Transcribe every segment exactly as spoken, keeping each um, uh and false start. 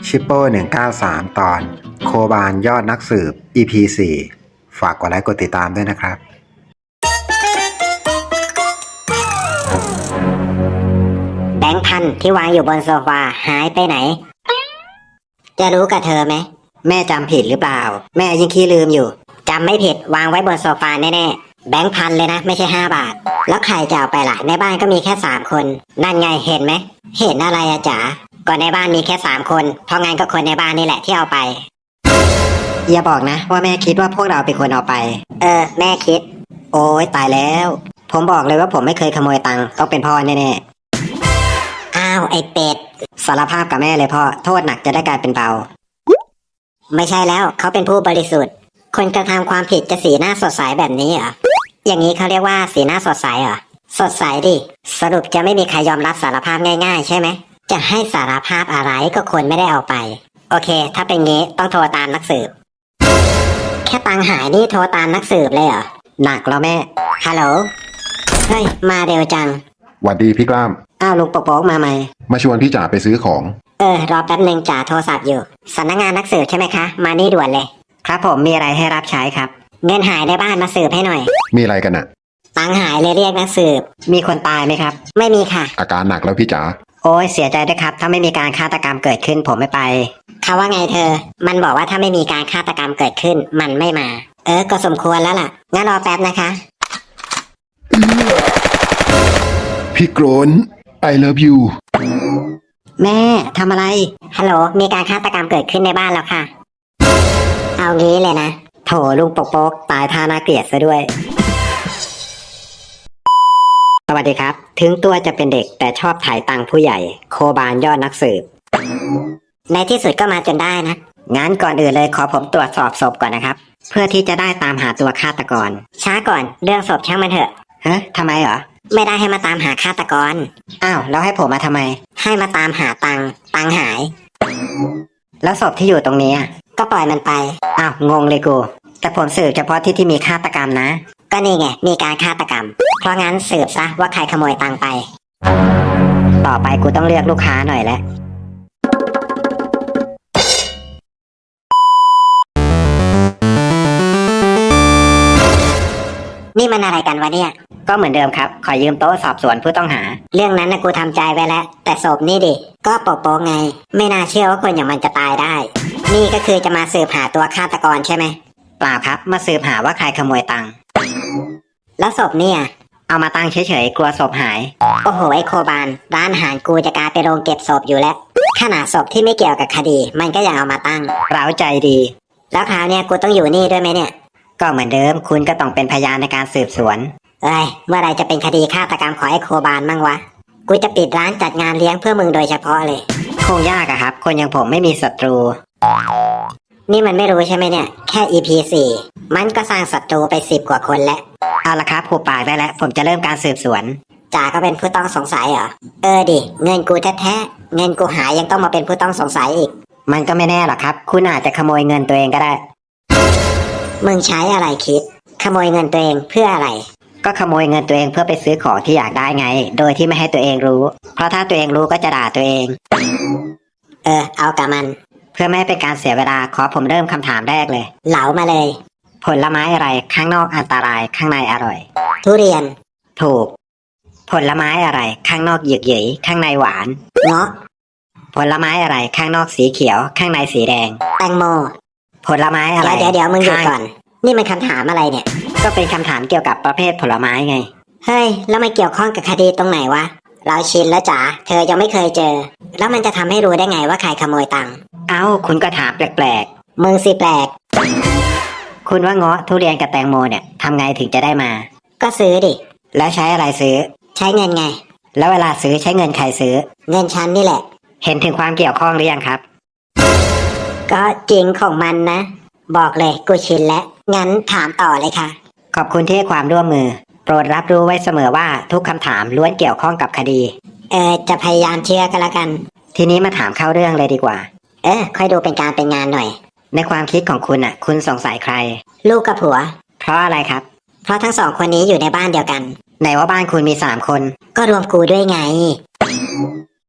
ชิปโป้หนึ่งเก้าสามตอนโคบานยอดนักสืบ อี พี สี่ ฝากกดไลค์กดติดตามด้วยนะครับแบงค์พันที่วางอยู่บนโซฟาหายไปไหนจะรู้กับเธอไหมแม่จำผิดหรือเปล่าแม่ยังขี้ลืมอยู่จำไม่ผิดวางไว้บนโซฟาแน่ๆแบงค์พันเลยนะไม่ใช่ห้าบาทแล้วใครจะเอาไปล่ะในบ้านก็มีแค่สามคนนั่นไงเห็นไหมเห็นอะไรอะจ๋าก็ในบ้านมีแค่สามคนเพราะงั้นก็คนในบ้านนี่แหละที่เอาไปอย่าบอกนะว่าแม่คิดว่าพวกเราเป็นคนเอาไปเออแม่คิดโอ้ยตายแล้วผมบอกเลยว่าผมไม่เคยขโมยตังค์ต้องเป็นพ่อแน่ๆอ้าวไอ้เป็ดสารภาพกับแม่เลยพ่อโทษหนักจะได้กลายเป็นเบาไม่ใช่แล้วเขาเป็นผู้บริสุทธิ์คนกระทำความผิดจะสีหน้าสดใสแบบนี้เหรออย่างนี้เขาเรียกว่าสีหน้าสดใสเหรอสดใสดิสรุปจะไม่มีใครยอมรับสารภาพง่ายๆใช่ไหมจะให้สารภาพอะไรก็คนไม่ได้เอาไปโอเคถ้าเป็นงี้ต้องโทรตามนักสืบแค่ตังหายนี่โทรตามนักสืบเลยเหรอหนักแล้วแม่ฮัลโหลเฮ้ยมาเร็วจังหวัดดีพี่กล้ามอ้าวลุงโป๊กมาไหมมาชวนพี่จ๋าไปซื้อของเออรอแป๊บนึงจ่าโทรศัพท์อยู่สำนักงานนักสืบใช่ไหมคะมานี่ด่วนเลยครับผมมีอะไรให้รับใช้ครับเงินหายในบ้านมาสืบให้หน่อยมีอะไรกันน่ะตังหายเลยเรียกนักสืบมีคนตายไหมครับไม่มีค่ะอาการหนักแล้วพี่จ๋าโอ้ยเสียใจด้วยครับถ้าไม่มีการฆาตกรรมเกิดขึ้นผมไม่ไปเขาว่าไงเธอมันบอกว่าถ้าไม่มีการฆาตกรรมเกิดขึ้นมันไม่มาเออก็สมควรแล้วล่ะงั้นรอแป๊บนะคะพี่โกรน I love you แม่ทำอะไรฮัลโหลมีการฆาตกรรมเกิดขึ้นในบ้านแล้วค่ะเอางี้เลยนะโถลุงปกโป๊กตายท่าน่าเกลียดซะด้วยสวัสดีครับถึงตัวจะเป็นเด็กแต่ชอบถ่ายตังค์ผู้ใหญ่โคบานยอดนักสืบในที่สุดก็มาจนได้นะงั้นก่อนอื่นเลยขอผมตรวจสอบศพก่อนนะครับเพื่อที่จะได้ตามหาตัวฆาตกรช้าก่อนเรื่องศพช่างมันเถอะฮะทำไมเหรอไม่ได้ให้มาตามหาฆาตกรอ้าวแล้วให้ผมมาทำไมให้มาตามหาตังค์ตังค์หายแล้วศพที่อยู่ตรงนี้ก็ปล่อยมันไปอ้าวงงเลยกูแต่ผมสืบเฉพาะที่ที่มีฆาตกรรมนะก็นี่ไงมีการฆาตกรรมเพราะงั้นสืบซะว่าใครขโมยตังค์ไปต่อไปกูต้องเลือกลูกค้าหน่อยแล้วนี่มันอะไรกันวะเนี่ยก็เหมือนเดิมครับขอยืมโต๊ะสอบสวนผู้ต้องหาเรื่องนั้นนะกูทำใจไว้แล้วแต่ศพนี่ดิก็โป๊ะๆไงไม่น่าเชื่อว่าคนอย่างมันจะตายได้นี่ก็คือจะมาสืบหาตัวฆาตกรใช่ไหมเปล่าครับมาสืบหาว่าใครขโมยตังค์แล้วศพเนี่ยเอามาตั้งเฉยๆกลัวศพหายโอ้โหไอโคบานร้านอาหารกูจะกลายเป็นโรงเก็บศพอยู่แล้วขนาดศพที่ไม่เกี่ยวกับคดีมันก็ยังเอามาตั้งเร้าใจดีแล้วคราวเนี้ยกูต้องอยู่นี่ด้วยไหมเนี่ยก็เหมือนเดิมคุณก็ต้องเป็นพยานในการสืบสวนเอ้ยเมื่อไรจะเป็นคดีฆาตกรรมของไอโคบานมั่งวะกูจะปิดร้านจัดงานเลี้ยงเพื่อมึงโดยเฉพาะเลยคงยากอะครับคนอย่างผมไม่มีศัตรูนี่มันไม่รู้ใช่ไหมเนี่ยแค่ อี พี สี่มันก็สร้างศัตรูไปสิบกว่าคนแล้วเอาละครับผูกปากได้แล้วผมจะเริ่มการสืบสวนจ่าก็เป็นผู้ต้องสงสัยเหรอเออดิเงินกูแท้ๆเงินกูหายยังต้องมาเป็นผู้ต้องสงสัยอีกมันก็ไม่แน่หรอกครับคุณอาจจะขโมยเงินตัวเองก็ได้มึงใช้อะไรคิดขโมยเงินตัวเองเพื่ออะไรก็ขโมยเงินตัวเองเพื่อไปซื้อของที่อยากได้ไงโดยที่ไม่ให้ตัวเองรู้เพราะถ้าตัวเองรู้ก็จะด่าตัวเองเออเอากับมันเพื่อไม่ให้เป็นการเสียเวลาขอผมเริ่มคำถามแรกเลยเหลามาเลยผลไม้อะไรข้างนอกอันตรายข้างในอร่อยทุเรียนถูกผลไม้อะไรข้างนอกหยึกหยึยข้างในหวานเงาะผลไม้อะไรข้างนอกสีเขียวข้างในสีแดงแตงโมผลไม้อะไรเดี๋ยวเดี๋ยวมึงหยุดก่อนนี่มันคำถามอะไรเนี่ยก็เป็นคำถามเกี่ยวกับประเภทผลไม้ไงเฮ้ยแล้วมันเกี่ยวข้องกับคดีตรงไหนวะเราชินแล้วจ๋าเธอยังไม่เคยเจอแล้วมันจะทำให้รู้ได้ไงว่าใครขโมยตังค์เอ้าคุณก็ถามแปลกๆมึงสิแปลกคุณว่าเงาะทุเรียนกับแตงโมเนี่ยทำไงถึงจะได้มาก็ซื้อดิแล้วใช้อะไรซื้อใช้เงินไงแล้วเวลาซื้อใช้เงินใครซื้อเงินฉันนี่แหละเห็นถึงความเกี่ยวข้องหรือยังครับก็จริงของมันนะบอกเลยกูชินแล้วงั้นถามต่อเลยค่ะขอบคุณที่ให้ความร่วมมือโปรดรับรู้ไว้เสมอว่าทุกคำถามล้วนเกี่ยวข้องกับคดีเออจะพยายามเชื่อกันละกันทีนี้มาถามเข้าเรื่องเลยดีกว่าเออค่อยดูเป็นการเป็นงานหน่อยในความคิดของคุณอ่ะคุณสงสัยใครลูกกับผัวเพราะอะไรครับเพราะทั้งสองคนนี้อยู่ในบ้านเดียวกันไหนว่าบ้านคุณมีสามคนก็รวมกูด้วยไง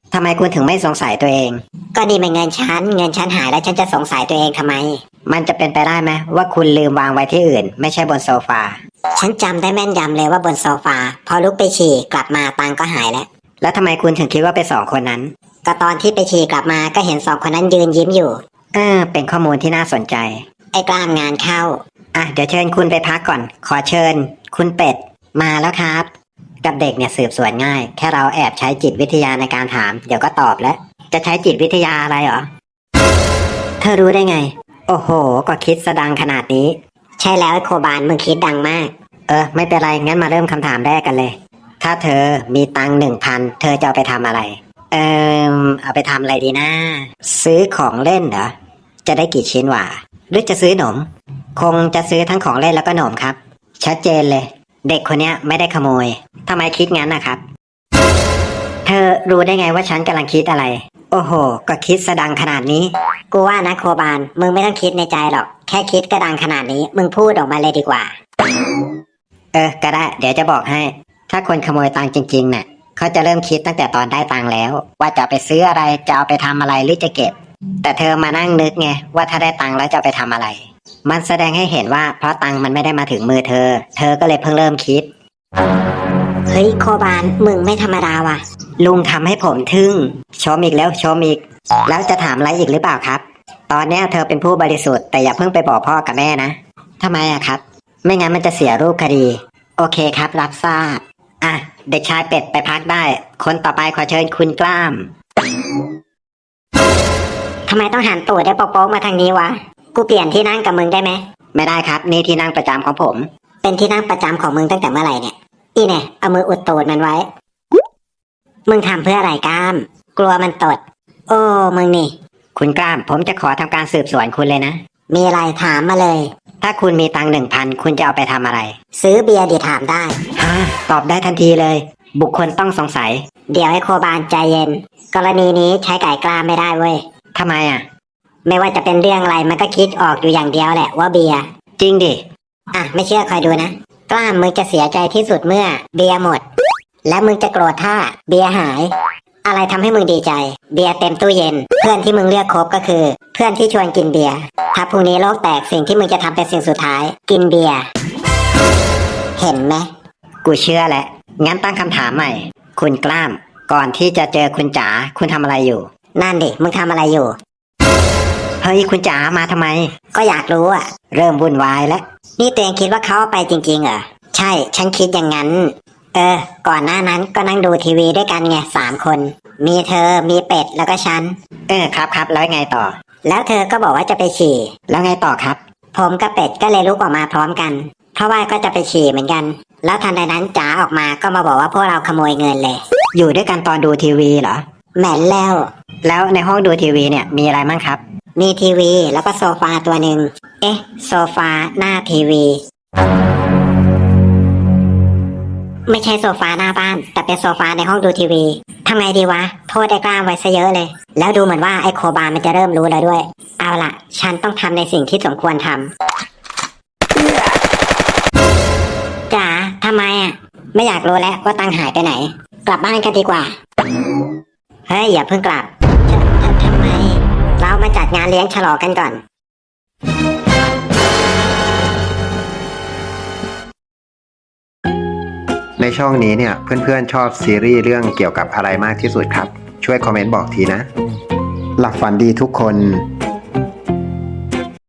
ทำไมคุณถึงไม่สงสัยตัวเอง ก็นี่เป็นเงินฉันเงินฉันหายแล้วฉันจะสงสัยตัวเองทำไม มันจะเป็นไปได้ไหมว่าคุณลืมวางไว้ที่อื่น ไม่ใช่บนโซฟาฉันจำได้แม่นยำเลยว่าบนโซฟาพอลุกไปฉี่กลับมาตังก็หายแล้วแล้วทำไมคุณถึงคิดว่าเป็นสองคนนั้นก็ตอนที่ไปฉี่กลับมาก็เห็นสองคนนั้นยืนยิ้มอยู่เออเป็นข้อมูลที่น่าสนใจไอ้กล้ามงานเข้าอ่ะเดี๋ยวเชิญคุณไปพักก่อนขอเชิญคุณเป็ดมาแล้วครับกับเด็กเนี่ยสืบสวนง่ายแค่เราแอบใช้จิตวิทยาในการถามเดี๋ยวก็ตอบแล้วจะใช้จิตวิทยาอะไรเหรอเธอรู้ได้ไงโอ้โหก็คิดสะดังขนาดนี้ใช่แล้วไอ้โคบานมึงคิดดังมากเออไม่เป็นไรงั้นมาเริ่มคำถามแรกกันเลยถ้าเธอมีตังหนึ่งพันเธอจะเอาไปทำอะไรเออเอาไปทำอะไรดีนะซื้อของเล่นเหรอจะได้กี่ชิ้นวะหรือจะซื้อหนมคงจะซื้อทั้งของเล่นแล้วก็หนมครับชัดเจนเลยเด็กคนเนี้ยไม่ได้ขโมยทำไมคิดงั้นนะครับเธอรู้ได้ไงว่าฉันกำลังคิดอะไรโอ้โหก็คิดสะดังขนาดนี้กูว่านะโคบานมึงไม่ต้องคิดในใจหรอกแค่คิดกระดังขนาดนี้มึงพูดออกมาเลยดีกว่าเออก็ได้เดี๋ยวจะบอกให้ถ้าคนขโมยตังค์จริงๆเนี่ยเขาจะเริ่มคิดตั้งแต่ตอนได้ตังค์แล้วว่าจะไปซื้ออะไรจะเอาไปทำอะไรหรือจะเก็บแต่เธอมานั่งนึกไงว่าถ้าได้ตังค์แล้วจะเอาไปทำอะไรมันแสดงให้เห็นว่าเพราะตังค์มันไม่ได้มาถึงมือเธอเธอก็เลยเพิ่งเริ่มคิดเฮ้ยโคบานมึงไม่ธรรมดาว่ะลุงทำให้ผมทึ่งชมอีกแล้วชมอีกแล้วจะถามอะไรอีกหรือเปล่าครับตอนนี้เธอเป็นผู้บริสุทธิ์แต่อย่าเพิ่งไปบอกพ่อกับแม่นะทำไมอะครับไม่งั้นมันจะเสียรูปคดีโอเคครับรับทราบอ่ะเด็กชายเป็ดไปพักได้คนต่อไปขอเชิญคุณกล้ามทำไมต้องหันตูดได้โป๊กๆมาทางนี้วะกูเปลี่ยนที่นั่งกับมึงได้ไหมไม่ได้ครับนี่ที่นั่งประจำของผมเป็นที่นั่งประจำของมึงตั้งแต่เมื่อไหร่เนี่ยอีเนี่ยเอามืออุดตูดมันไว้มึงทำเพื่ออะไรกล้ามกลัวมันตดโอ้มึงนี่คุณกล้ามผมจะขอทำการสืบสวนคุณเลยนะมีอะไรถามมาเลยถ้าคุณมีตังค์หนึ่งพันคุณจะเอาไปทำอะไรซื้อเบียร์ดิถามได้ฮะตอบได้ทันทีเลยบุคคลต้องสงสัยเดี๋ยวให้โคบานใจเย็นกรณีนี้ใช้ไก่กล้าไม่ได้เว้ยทำไมอ่ะไม่ว่าจะเป็นเรื่องอะไรมันก็คิดออกอยู่อย่างเดียวแหละว่าเบียร์จริงดิอ่ะไม่เชื่อคอยดูนะกล้ามมึงจะเสียใจที่สุดเมื่อเบียร์หมดและมึงจะโกรธถ้าเบียร์หายอะไรทำให้มึงดีใจเบียร์เต็มตู้เย็นเพื่อนที่มึงเลือกคบก็คือเพื่อนที่ชวนกินเบียร์ถ้าพรุ่งนี้โลกแตกสิ่งที่มึงจะทำเป็นสิ่งสุดท้ายกินเบียร์เห็นไหมกูเชื่อแหละงั้นตั้งคำถามใหม่คุณกล้ามก่อนที่จะเจอคุณจ๋าคุณทำอะไรอยู่นั่นดิมึงทำอะไรอยู่เฮ้ยคุณจ๋ามาทำไมก็อยากรู้อ่ะเริ่มวุ่นวายแล้วนี่ตัวเองคิดว่าเขาเอาไปจริงๆเหรอใช่ฉันคิดอย่างนั้นเออก่อนหน้านั้นก็นั่งดูทีวีด้วยกันไงสามคนมีเธอมีเป็ดแล้วก็ฉันเออครับครับแล้วไงต่อแล้วเธอก็บอกว่าจะไปฉี่แล้วไงต่อครับผมกับเป็ดก็เลยลุกออกมาพร้อมกันเพราะว่าก็จะไปฉี่เหมือนกันแล้วทันใดนั้นจ๋าออกมาก็มาบอกว่าพวกเราขโมยเงินเลยอยู่ด้วยกันตอนดูทีวีเหรอแหม่นแล้วแล้วในห้องดูทีวีเนี่ยมีอะไรมั่งครับมีทีวีแล้วก็โซฟาตัวหนึ่งเอ๊ะโซฟาหน้าทีวีไม่ใช่โซฟาหน้าบ้านแต่เป็นโซฟาในห้องดูทีวีทำไงดีวะโทษไอ้กล้ามไว้ซะเยอะเลยแล้วดูเหมือนว่าไอ้โคบานมันจะเริ่มรู้แล้วด้วยเอาล่ะฉันต้องทำในสิ่งที่สมควรทำจ๋าทำไมอ่ะไม่อยากรู้แล้วว่าตังหายไปไหนกลับบ้านกันดีกว่าเฮ้ยอย่าเพิ่งกลับทำไมเรามาจัดงานเลี้ยงฉลองกันก่อนในช่องนี้เนี่ยเพื่อนๆชอบซีรีส์เรื่องเกี่ยวกับอะไรมากที่สุดครับช่วยคอมเมนต์บอกทีนะหลับฝันดีทุกคน